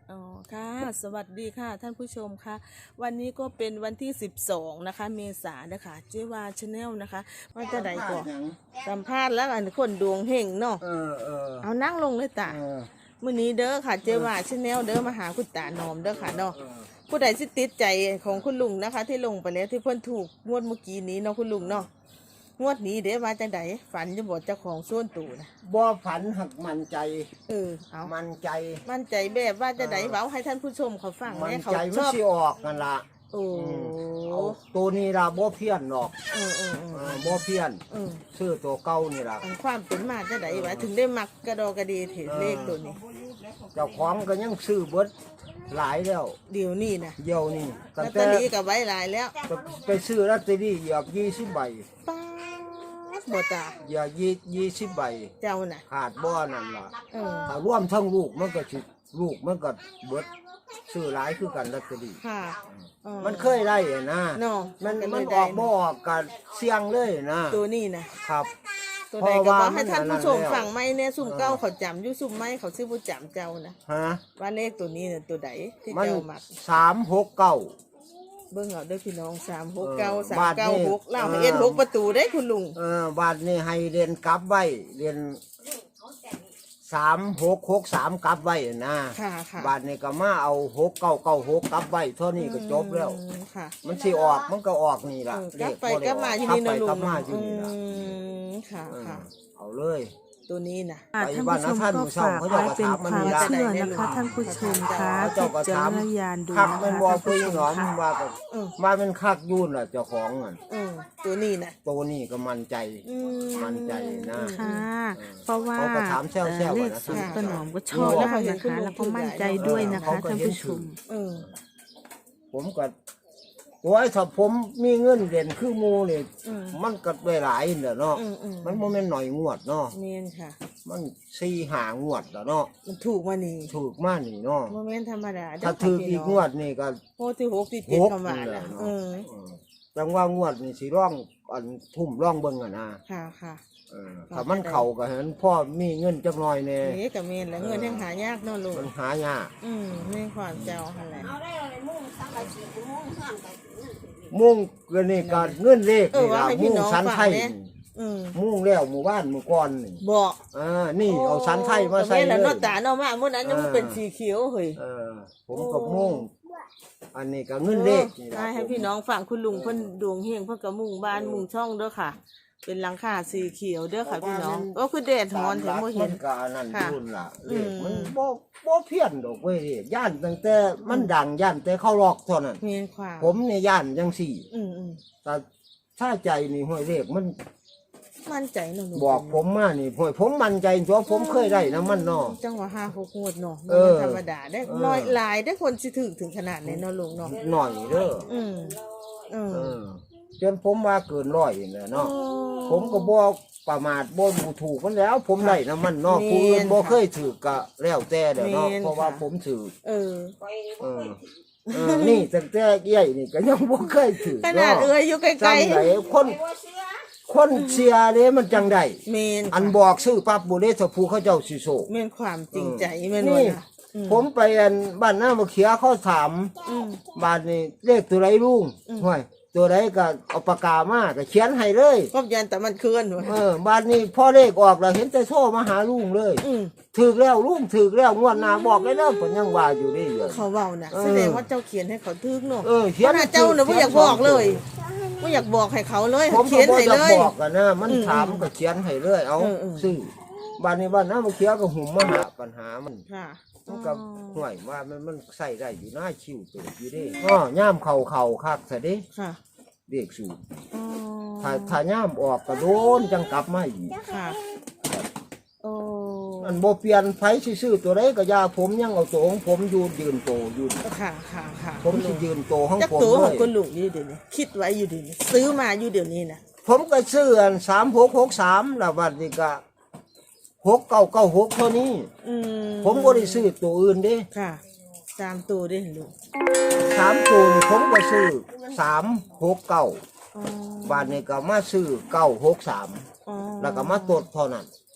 อ๋อค่ะสวัสดีค่ะท่านผู้ชมค่ะวันนี้ก็เป็นวันที่12นะคะเมษายนนะคะเจวาชาแนลนะคะว่าจะได้ก่อนสัมภาษณ์แล้วอันคนดวงเฮงเนาะเอานั่งลงเลยตามื้อนี้เด้อค่ะเจวาชาแนลเด้อมาหาคุณตาหนอมเด้อค่ะเนาะผู้ใดที่ติดใจของคุณลุงนะคะ ที่ลงไปแล้วที่เพิ่นถูกงวดเมื่อกี้นี้เนาะคุณลุงเนาะงวดนี้เด้ว่าจังไดฝันจะบอกเจ้าของส่วนตู่นะบ่ฝันหักมันใจเอามันใจแบบว่าจะไดเว้าให้ท่านผู้ชมเขาฟังมันเนี่ยเขาใจชมันอบสิออกกันละโอ้ตัวนี้ล่ะบ่เพี้ยนหรอกบ่เพี้ยนชื่อตัวเก่านี่ล่ะความเป็นมาจะไดวะถึงได้มักกระดอกระดีเห็นเลขตัวนี้เจ้าของก็ยังซื้อเบิดหลายแล้วเดี๋ยวนี้นะเดี๋ยวนี้ลอตเตอรี่กับไว้หลายแล้วไปซื้อลอตเตอรี่เหยียบ20 ใบบ่ตาอย่า20 ใบเจ้าน่ะขาดบ่นั่นล่ะถ้ารวมทั้งลูกมันก็สิลูกมันก็เบิดซื้อหลายคือกันลอตเตอรี่ค่ะมันเคยได้นะมันออกบ่ออกกันเสี่ยงเลยนะตัวนี้นะครับตัวใดก็บอกให้ท่านผู้ชมฟังไหมเนี่ยซุ่มเก้าเขาจำอยู่ซุ่มไม้เขาซื้อผู้จำเจ้านะว่าเลขตัวนี้เนี่ยตัวใดที่เจ้ามัก 369 เบิ่งเอาเด้อพี่น้อง369 396เล่าให้เอ็น6ประตูได้คุณลุงบาทนี้ให้เรียนกลับไว้เรียน3663กลับไว้นะบาทนี้ก็มาเอา6996กลับไว้เท่านี้ก็จบแล้วมันสิออกมันก็ออกนี่ล่ะกลับไปกลับมาอยู่นี่นะลุงค่ะเอาเลยตัวนี้นะท่านผู้ชมก็ฝากไว้เป็นความเชื่อนะคะท่านผู้ชมคะพิจารณญาณดูนะคะท่านผู้ชมค่ะมาเป็นคักยุ่นล่ะเจ้าของอ่ะตัวนี้นะตัวนี้ก็มั่นใจนะค่ะเพราะว่าเลขสูตรขนมก็ชอบนะคะแล้วก็มั่นใจด้วยนะคะท่านผู้ชมผมก็ตัวไอ้ถ้าผมมีเงินเด่นคือมูนี่มันก็ได้หลายเด้อเนาะมันบ่แม่นหน่อยงวดเนาะแม่นค่ะมัน4-5 งวดแล้วเนาะมันถูกมานี่เนาะบ่แม่นธรรมดาถ้าถูกอีกงวดนี่ก็โอ้ที่6ที่7เข้ามาแล้วจังว่างวดนี่สิร้องอันทุ่มร้องเบิ่งอ่ะนะค่ะถ้ามันเข้าก็เห็นพ่อมีเงินจักหน่อยแน่นี่ก็แม่นแล้วเงินยังหายากเนาะลูกมันหายากแม่ความเจ้าหั่นแหละมุ่งก็นี่ก็เงินเลขนี่ล่ะมุ่งสันไทยมุ่งแล้วหมู่บ้านหมู่ก่อนนี่บอกนี่เอาสันไทยมาใส่เลยแล้วเนาะตาเนาะมามื้อนั้นยังเป็นสีเขียวเฮ้ยผมก็มุ่งอันนี้ก็เงินเลขนี่ล่ะให้พี่น้องฟังคุณลุงเพิ่นดวงเฮงเพิ่นก็มุ่งบ้านมุ่งช่องเด้อค่ะเป็นหลังคาสีเขียวเด้อค่ะพี่น้องก็คือแดดร้อนแต่บ่เห็นก็นั่นรุ่นล่ะมันบ่เพี้ยนดอกเว้ยย่านตั้งแต่มันดังย่านแต่เข้าลอกเท่านั้นผมเนี่ยย่านจังซี่แต่ถ้าใจนี่ห้วยเลขมันมั่นใจเนาะบอกผมมานี่ห้วยผมมั่นใจเพราะผมเคยได้นะมันเนาะจังว่า5-6งวดเนาะธรรมดาได้น้อยหลายได้คนสิถึงขนาดนี้เนาะลุงเนาะหน่อยเด้อจนผมว่าเกิน100น่ะเนาะผมก็บ่ประมาทบ่ถูกมันแล้วผมได้นะมันเนาะผู้อื่นบ่เคยถือก็แล้วแต่เด้อเนาะเพราะว่าผมถือนี่ตั้งแต่ใหญ่นี่ก็ยังบ่เคยถือขนาดอยู่ไกลๆคนเชียร์เด้มันจังได้อันบอกชื่อปั๊บบ่ได้ถ้าผู้เขาเจ้าสิโซแม่นความจริงใจแม่นว่าผมไปอันบ้านหน้ามะเขียเขาถามบ้านนี่เลขตัวไรลุงห้วยตัวไรก็เอาปากกามาก็เขียนให้เลยก็ยันแต่มันเคลื่อนบ้านนี้พ่อเลขออกแล้วเห็นแต่โซ่มาหาลุงเลยถึกแล้วลุงถึกแล้วงวดหน้าบอกได้แล้วผมยังว่าอยู่นี่อยู่เขาเว้าน่ะแสดงว่าเจ้าเขียนให้เขาถึกเนาะเขียนเจ้าน่ะบ่อยากบอกเลยบ่อยากบอกให้เขาเลยเขียนให้เลยบอกกันนะมันถามก็เขียนให้เลยเอาซื้อบ้านนี้บ้านหน้ามะเขียก็หุ่มมาหาปัญหามันมันก็ห่วยว่ามันใส่ได้อยู่หน้าคิวตัวอยู่ดิย่ามเข่าคักซะดิเด็กสูงถ้าย่ามออกก็โดนจังกลับมาอีกอันโบเปลี่ยนไฟซื่อตัวไรก็ยาผมยังเอาตัวของผมยืนโตอยู่ผมจะยืนโตของผมตัวของคุณลุงอยู่เดี๋ยวนี้คิดไว้อยู่เดี๋ยวนี้ซื้อมาอยู่เดี๋ยวนี้นะผมก็ซื้ออัน3663แล้ววันนี้ก็6996เท่านี้ผมบ่ได้ซื้อตัวอื่นเด้ค่ะ3ตัวเด้ลูก 3ตัวผมก็ซื้อ369บาทนี้ก็มาซื้อ963แล้วก็มาตดเท่านั้น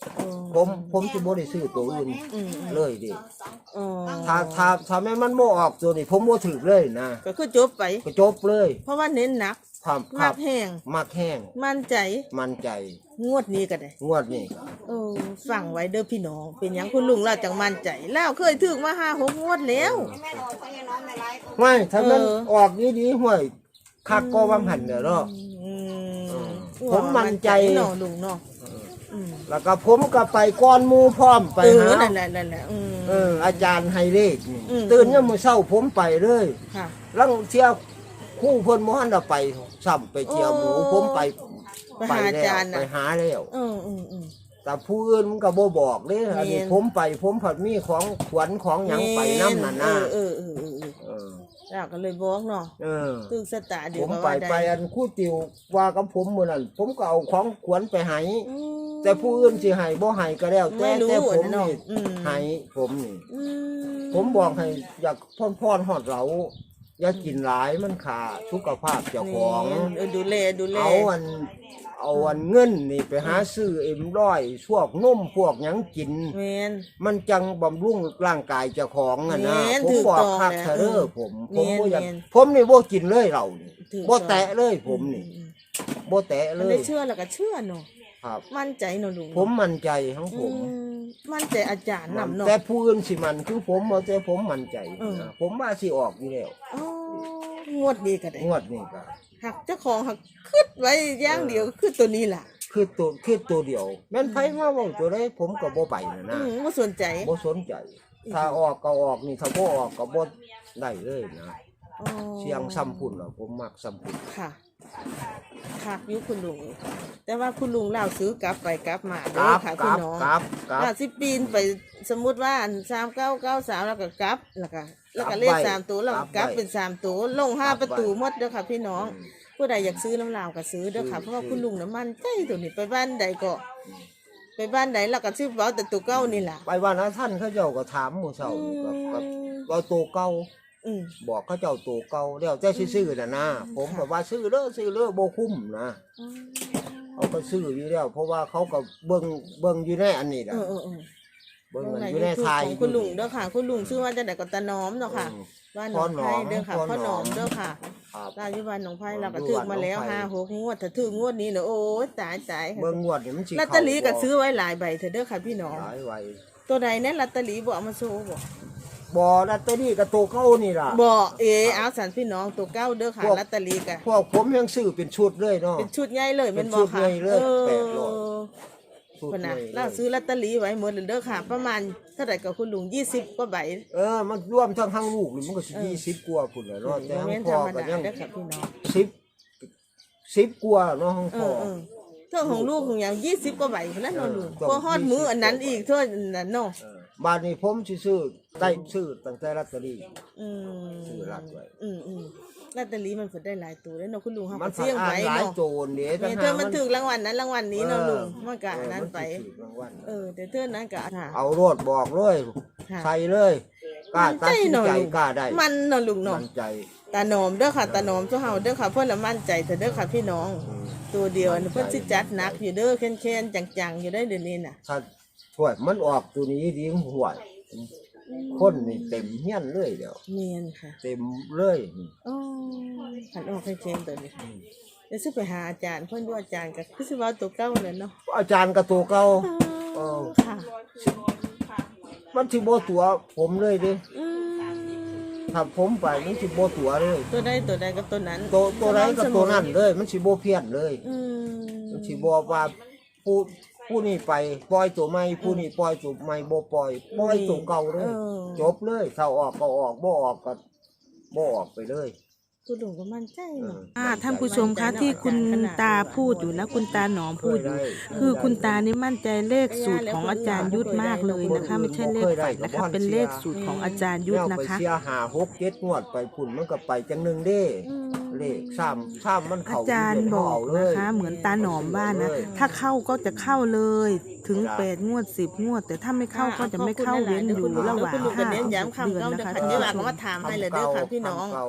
ผมสิบ่ได้ซื้อตัวอื่นเลยดิอ๋อถ้าแม่นมันบ่ออกตัวนี้ผมบ่ถูกเลยนะก็คือจบไปก็จบเลยเพราะว่าเน้นหนักครับมากแห้งมักแห้งมั่นใจมั่นใจงวดนี้ก็ได้งวดนี้ก็ฟังไว้เด้อพี่น้องเป็นหยังคุณลุงเราจังมั่นใจแล้วเคยถึงมา5-6 งวดแล้วไม่ถ้ามันออกดีๆห้วยคักก็ว่าหันเด้อเนาะ ผมมั่นใจเนาะลุงเนาะแล้วก็ผมก็ไปก้อนหมู่พร้อมไปหานั่นแหละอาจารย์ให้เลขนี่อืมตื่นยามมื้อเช้าผมไปเลยค่ะลังเที่ยวคู่เพิ่นบ่ทันได้ไปซ้ำไปเที่ยวหมูผมไปไปหาอาจารย์ไปน่ะหาแล้วอืมแต่ผู้อื่นมันก็บ่บอกเด้อันนี้แม่นผมไปผมผัดมีของขวัญของหยังไปนำนั่นน่ะเออแล้วก็เลยบอกเนาะเออตึกสตาเดี๋ยผวมก็ไปว่าได้ไปอันครู่ติวว่ากับผมมื้อนั้นผมก็เอาของขวัญไปให้อืมแต่ผู้อื่นสิให้บ่ให้ก็แล้วไม่รู้แต่ผมนะเนาะนี่อืมให้ผมนี่อืมผมบอกให้อยากพ่อนฮอดเราอย่ากินหลายมันขาสุขภาพเจ้าของดูแลเอาอันเงินนี่ไปหาซื้อM100พวกนมพวกหยังกินแม่นมันจังบำรุงร่างกายเจ้าของอ่ะนะแม่นผมถูกบอกต้องคักแล้วเถอะเด้อผมแม่นบ่อยากแม่นผมนี่บ่กินเลยเรานี่ถูกบ่ต้องแตะเลยผมนี่บ่แตะเลมันยได้เชื่อแล้วก็เชื่อเนาะครับมั่นใจเนาะลุงผมมั่นใจของผมมั่นใจอาจารย์นำเนาะแต่ผู้อื่นสิมันคือผมบ่แต่ผมมั่นใจเออนะผมว่าสิออกอยู่แล้วอ๋องวดนี้ก็ได้งวดนี้ก็หักเจ้าของหักคิดไว้อย่างเดียวคือตัวนี้ล่ะคือตัวเดียวแม่นไผมาเว้าตัวใดผมก็บ่ไปนะบ่สนใจบ่สนใจ ถ้าออกก็ออกนี่ถ้าบ่ออกก็บ่ได้เลยนะอ๋อเสียงซ้ำพุ่นล่ะผมมักซ้ำพุ่นค่ะค่ะอยู่คุณลุงแต่ว่าคุณลุงเล่าซื้อกลับไปกลับมาคเด้อรับค่ะคพี่รับน้องครับถ้าสิปีนไปสมมุติว่าอัน3993แล้วก็กลับแล้วก็เลข3ตัวแล้วก็กลับเป็น3ตัวลง5ประตูหมดเด้อค่ะพี่น้อง ผู้ใดอยากซื้อน้ำลาวก็ซื้อเด้อค่ะเพราะว่าคุณลุงน้ำมันใจตัวนี้ไปบ้านใดก็ ไปบ้านใดแล้วก็ซื้อเบาแต่ตัวเก่านี่ล่ะไปวันนั้นท่านเขาเจ้าก็ถามหมู่เฒ่ากับว่าตัวเก่าอืมบอกเขาเจ้าตัวเก่าแล้วแต่สิซื้อน่ะนะผมก็ว่าซื้อเด้อบ่คุ้มนะเขาก็ซื้ออยู่แล้วเพราะว่าเขาก็เบิ่งอยู่ในอันนี้ล่ะเบิ่งกันอยู่ในไทยของคุณลุงเด้อค่ะ คุณลุงชื่อว่าจะไหนก็ตาน้อมเนาะค่ะบ้านหนองไผ่เด้อค่ะพ่อหนอมเด้อค่ะครับราชบ้านหนองไผ่เราก็ถึกมาแล้ว5-6 งวดถ้าถึกงวดนี้เนาะโอ้ยตายเบิ่งงวดนี่มันสิลอตเตอรี่ก็ซื้อไว้หลายใบเถอะเด้อค่ะพี่น้องหลายไว้ตัวใดแน่ลอตเตอรี่บ่เอามาโชว์บ่บ่ลอตเตอรี่ก็ตัวเก่านี่ล่ะบ่เอาสันพี่น้องตัวเก้าเด้อค่ะลอตเตอรี่ก็พวกผมยังซื้อเป็นชุดเลยเนาะเป็นชุดใหญ่เลยแม่นบ่เป็นชุดค่ะใหญ่เลย800 ชุดคนน่ะเลยเราซื้อลอตเตอรี่ไว้หมดเลยเด้อค่ะ ประมาณเท่าไหร่กับคุณลุง20กว่าใบมันรวมทั้งลูกนี่มันก็สิ20กว่าพุ่นแหละเนาะแต่บ่ทั้แม่งนพ่ธรอรมก็ดายังเด้อค่ะพี่น้อง 10กว่าเนาะทั้งเอพ่ออเท่าของลูกของอย่าง20กว่าใบพุ่นนั้นเนาะลุงต้องพอฮอดมื้ออันนั้นอีกเท่านั้นเนาะบ้านนี้ผมสิซื้อได้ซื้อตั้งแต่ลอตเตอรี่อืมซื้อรัดไว้ลอตเตอรี่มันเพิ่นได้หลายตัวแล้วเนาะคุณลุงเฮามัก็นเสี่ยงอ่านไว้หลายเนาะโจรเด้แม่เธอมันถึกรางวัลนั้นรางวัลนี้เนาะลุงมันก็อันนั้นไปมันสิถูกรางวัลแต่เธอนั้นก็ค่ะเอาโรดบอกเลยค่ะใส่เลยกล้าตัดสินใจมั่นใจเนาะลุงกล้าได้มันเนาะลุงเนาะมั่นใจตาหนอมเด้อค่ะตาหนอมเจ้าเฮาเด้อค่ะเพิ่นละมั่นใจเถอะเด้อค่ะพี่น้อง ตัวเดียวอันนี้เพิ่นสิจัดหนักอยู่เด้อแค้นๆจังๆอยู่ได้เดี๋ยวนี้น่ะถ้าถ้วยมันออกตัวนี้ดีห่วยคนนี่เต็มเฮียนเลยเดี๋ยวเมียนค่ะเต็มเลยอ๋อขันออกแค้นๆตัวนี้เดี๋ยวสิไปหาอาจารย์เพิ่นดูอาจารย์ก็คือสิว่าตัวเก่านั่นเนาะอาจารย์กับตัวเก่าค่ะมันสิบ่ตัวผมเลยเด้อืมถ้าผมไปมันสิบ่ตัวเลยตัวใดกับตัวนั้นตัวไหนกับตัวนั้นเลย มันสิบ่เพี้ยนเลยอืมมันสิบ่ว่าผู้นี้ไปปล่อยตัวใหม่ผู้นี้ปล่อยตัวใหม่บ่ปล่อยตัวเก่าเลยจบเลยถ้าออกก็ออกบ่ออกก็บ่ออกไปเลยคุณลุงก็มั่นใจเนาะท่านผู้ชมคะที่คุณตาพูดอยู่นะคุณตาหนอมพูดอยู่คือคุณตานี่มั่นใจเลขสูตรของอาจารย์ยุทธมากเลยนะคะ ไม่ใช่เลขฝันนะคะเป็นเลขสูตรของอาจารย์ยุทธแนวนะไปคะเสีย5 6 7งวดไปพุ่นมันก็ไปจังหนึงเด้เลข3มันอาเข้าจารย์บอกนะคะ เหมือนตาหนอมว่านะถ้าเข้าก็จะเข้าเลยถึง8 งวด 10 งวด แต่ถ้าไม่เข้าก็จะไม่เข้าเว้นอยู่ระหว่างคุณลุงก็ 5 เน้นถึงย้ำ 6 เดือนคำเก่านะคะเดี๋ยวหลังก็มาถามให้เลยเด้อค่ะพี่น้อง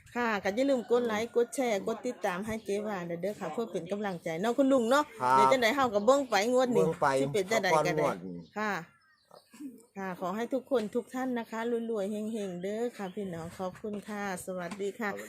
ค่ะก็อย่าลืมกดไลค์กดแชร์กดติดตามให้เจ๊วาเด้อค่ะเพื่อเป็นกำลังใจเนาะคุณลุงเนาะเดี๋ยวจังได๋เฮาก็เบิ่งไปงวดนี้สิเป็นจังได๋ก็ได้ค่ะค่ะขอให้ทุกคนทุกท่านนะคะรวยๆเฮงๆเด้อค่ะพี่น้องขอบคุณค่ะสวัสดีค่ะ